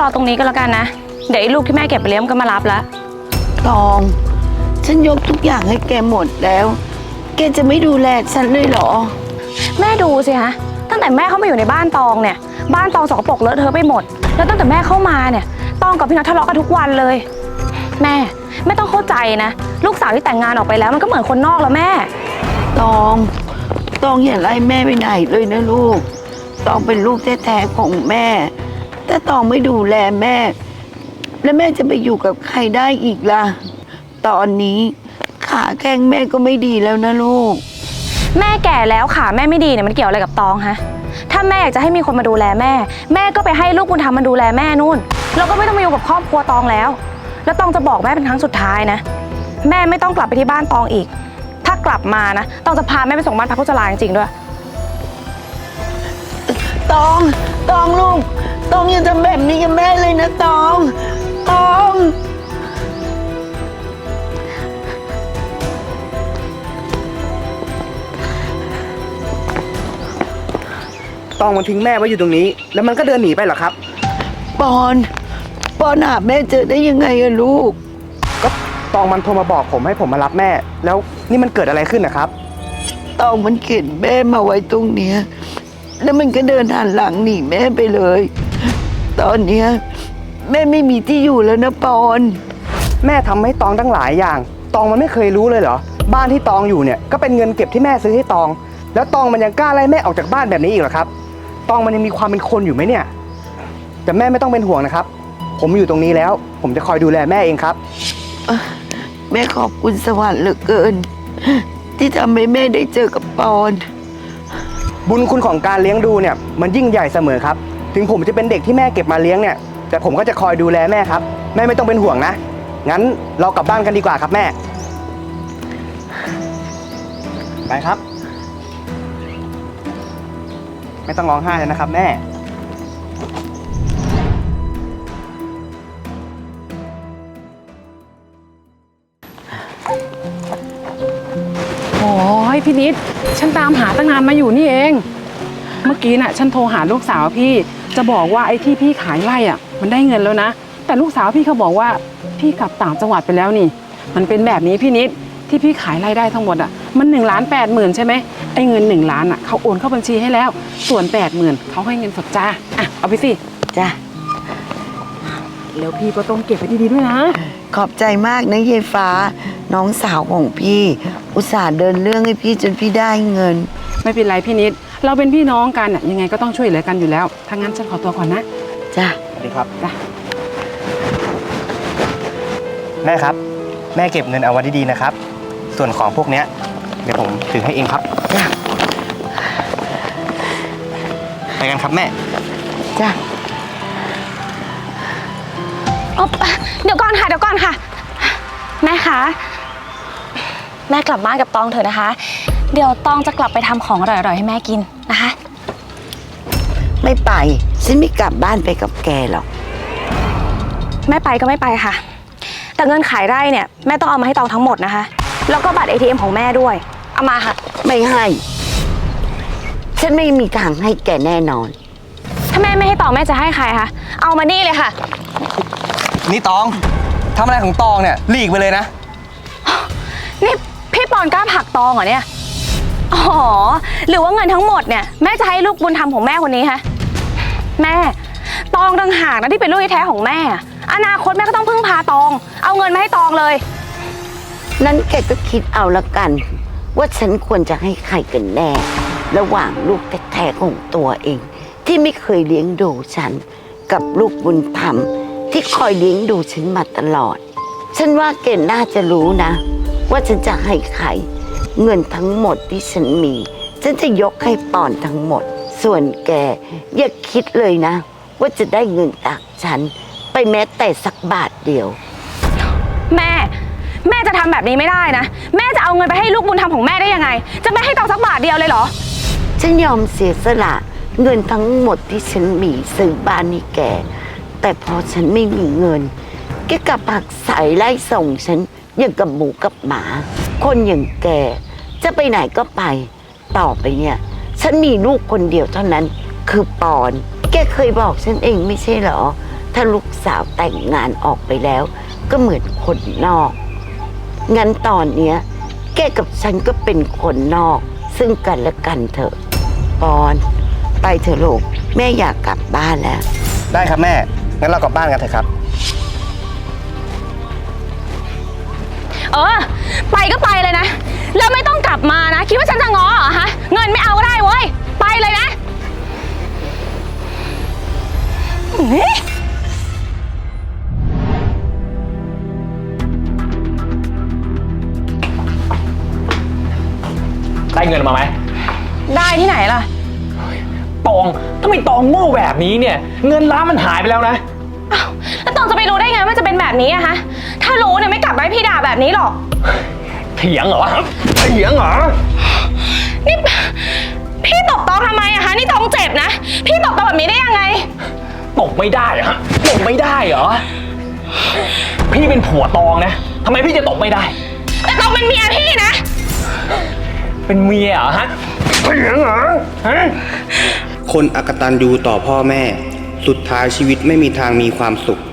ตรงนี้ก็แล้วกันนะเดี๋ยวไอ้ลูกที่แม่เก็บไปเลี้ยงก็มารับแล้วตองฉันยกทุกอย่างให้แกหมดแล้วแกจะไม่ดูแลฉันเลยเหรอแม่ดูสิฮะตั้งแต่แม่เข้ามาอยู่ในบ้านตองเนี่ยบ้านตองสกปรกเลอะเทอะไปหมดแล้วตั้งแต่แม่เข้ามาเนี่ยตองกับพี่น็อตทะเลาะกันทุกวันเลยแม่ไม่ต้องเข้าใจนะลูกสาวที่แต่งงานออกไปแล้วมันก็เหมือนคนนอกแล้วแม่ตองอย่าไล่แม่ไปไหนเลยนะลูกตองเป็นลูกแท้ๆของแม่ถ้าตองไม่ดูแลแม่แล้วแม่จะไปอยู่กับใครได้อีกล่ะตอนนี้ขาแข้งแม่ก็ไม่ดีแล้วนะลูกแม่แก่แล้วขาแม่ไม่ดีเนี่ยมันเกี่ยวอะไรกับตองฮะถ้าแม่อยากจะให้มีคนมาดูแลแม่แม่ก็ไปให้ลูกบุญธรรมมาดูแลแม่นู่นแล้วก็ไม่ต้องมาอยู่กับครอบครัวตองแล้วตองจะบอกแม่เป็นครั้งสุดท้ายนะแม่ไม่ต้องกลับไปที่บ้านตองอีกถ้ากลับมานะตองจะพาแม่ไปส่งบ้านพักผู้ชราจริงๆด้วยตองลูกตองอย่าทำแบบนี้กับแม่เลยนะตองตองมันทิ้งแม่ไว้อยู่ตรงนี้แล้วมันก็เดินหนีไปเหรอครับปอนหาแม่เจอได้ยังไงอะลูกก็ตองมันโทรมาบอกผมให้ผมมารับแม่แล้วนี่มันเกิดอะไรขึ้นนะครับตองมันเข็นแม่มาไว้ตรงเนี้ยแล้วมันก็เดินหันหลังหนีแม่ไปเลยตอนเนี้ยแม่ไม่มีที่อยู่แล้วนะปอนแม่ทำให้ตองตั้งหลายอย่างตองมันไม่เคยรู้เลยเหรอบ้านที่ตองอยู่เนี่ยก็เป็นเงินเก็บที่แม่ซื้อให้ตองแล้วตองมันยังกล้าไล่แม่ออกจากบ้านแบบนี้อีกเหรอครับตองมันยังมีความเป็นคนอยู่ไหมเนี่ยแต่แม่ไม่ต้องเป็นห่วงนะครับผมอยู่ตรงนี้แล้วผมจะคอยดูแลแม่เองครับแม่ขอบคุณสวรรค์เหลือเกินที่ทำให้แม่ได้เจอกับปอนบุญคุณของการเลี้ยงดูเนี่ยมันยิ่งใหญ่เสมอครับถึงผมจะเป็นเด็กที่แม่เก็บมาเลี้ยงเนี่ยแต่ผมก็จะคอยดูแลแม่ครับแม่ไม่ต้องเป็นห่วงนะงั้นเรากลับบ้านกันดีกว่าครับแม่ไปครับไม่ต้องร้องไห้เลยนะครับแม่โอ้ยพี่นิดฉันตามหาตั้งนานมาอยู่นี่เองเมื่อกี้น่ะฉันโทรหาลูกสาวพี่จะบอกว่าไอ้ที่พี่ขายไร่อ่ะมันได้เงินแล้วนะแต่ลูกสาวพี่เขาบอกว่าพี่กลับต่างจังหวัดไปแล้วนี่มันเป็นแบบนี้พี่นิดที่พี่ขายไร่ได้ทั้งหมดอ่ะมัน1,80,000ใช่ไหมไอ้เงิน1 ล้านอ่ะเขาโอนเข้าบัญชีให้แล้วส่วน80,000เขาให้เงินสดจ้าอ่ะเอาไปสิจ้าแล้วพี่ก็ต้องเก็บไว้ดีๆด้วยนะขอบใจมากนะเยฟ้าน้องสาวของพี่อุตส่าห์เดินเรื่องให้พี่จนพี่ได้เงินไม่เป็นไรพี่นิดเราเป็นพี่น้องกันอ่ะยังไงก็ต้องช่วยเหลือกันอยู่แล้วถ้างั้นฉันขอตัวก่อนนะจ้าสวัสดีครับจ้าแม่ครับแม่เก็บเงินเอาไว้ดีๆนะครับส่วนของพวกเนี้ยเดี๋ยวผมถือให้เองครับจ้าไปกันครับแม่จ้าเดี๋ยวก่อนค่ะแม่คะแม่กลับบ้านกับตองเถอะนะคะเดี๋ยวตองจะกลับไปทำของอร่อยๆให้แม่กินนะคะไม่ไปฉันไม่กลับบ้านไปกับแกหรอกไม่ไปก็ไม่ไปค่ะแต่เงินขายไร่เนี่ยแม่ต้องเอามาให้ตองทั้งหมดนะคะแล้วก็บัตร ATM ของแม่ด้วยเอามาค่ะไม่ให้ฉันไม่มีทางให้แกแน่นอนถ้าแม่ไม่ให้ตองแม่จะให้ใครคะเอามานี่เลยค่ะนี่ตองทำอะไรของตองเนี่ยหลีกไปเลยนะนี่พี่ปอนกล้าผลักตองเหรอเนี่ยอ๋อหรือว่าเงินทั้งหมดเนี่ยแม่จะให้ลูกบุญธรรมของแม่คนนี้คะแม่ตองต่างหากนะที่เป็นลูกแท้ของแม่อนาคตแม่ก็ต้องพึ่งพาตองเอาเงินมาให้ตองเลยนั้นแกก็คิดเอาละกันว่าฉันควรจะให้ใครกันแน่ระหว่างลูกแท้ๆของตัวเองที่ไม่เคยเลี้ยงดูฉันกับลูกบุญธรรมที่คอยเลี้ยงดูฉันมาตลอดฉันว่าแกน่าจะรู้นะว่าฉันจะให้ใครเงินทั้งหมดที่ฉันมีฉันจะยกให้ปอนทั้งหมดส่วนแกอย่าคิดเลยนะว่าจะได้เงินจากฉันไปแม้แต่สักบาทเดียวแม่จะทำแบบนี้ไม่ได้นะแม่จะเอาเงินไปให้ลูกบุญธรรมของแม่ได้ยังไงจะไม่ให้ตองสักบาทเดียวเลยเหรอฉันยอมเสียสละเงินทั้งหมดที่ฉันมีซื้อบ้านให้แกแต่พอฉันไม่มีเงินแกกลับผักใส่ไล่ส่งฉันอย่างกับหมูกับหมาคนอย่างแกจะไปไหนก็ไปต่อไปเนี่ยฉันมีลูกคนเดียวเท่านั้นคือปอนแกเคยบอกฉันเองไม่ใช่เหรอถ้าลูกสาวแต่งงานออกไปแล้ว ก็เหมือนคนนอก งั้นตอนเนี้ยแกกับฉันก็เป็นคนนอก ซึ่งกันและกันเถอะปอนไปเถอะลูกแม่อยากกลับบ้านแล้วได้ครับแม่ งั้นเรากลับบ้านกันเถอะครับไปก็ไปเลยนะ แล้วไม่ต้องกลับมานะ คิดว่าฉันจะง้อเหรอฮะ เงินไม่เอาก็ได้เว้ย ไปเลยนะได้เงินมาไหมได้ที่ไหนล่ะตองทำไมตองโง่แบบนี้เนี่ย เงินล้านมันหายไปแล้วนะอ้าวแล้วตองจะไปรู้ได้ไงว่าจะเป็นแบบนี้อะฮะ ถ้ารู้เนี่ยไม่กลับมาให้พี่ด่าแบบนี้หรอกเถียงเหรอเถียงเหรอนี่พี่ตบตองทำไมอะคะนี่ตองเจ็บนะ พี่ตบตองแบบนี้ได้ยังไงตกไม่ได้เหรอฮะตกไม่ได้เหรอ พี่เป็นผัวตองนะทำไมพี่จะตกไม่ได้แต่ตองเป็นเมียพี่นะเป็นเมียเหรอฮะเถียงเหรอฮะคนอกตัญญูต่อพ่อแม่ สุดท้ายชีวิตไม่มีทางมีความสุข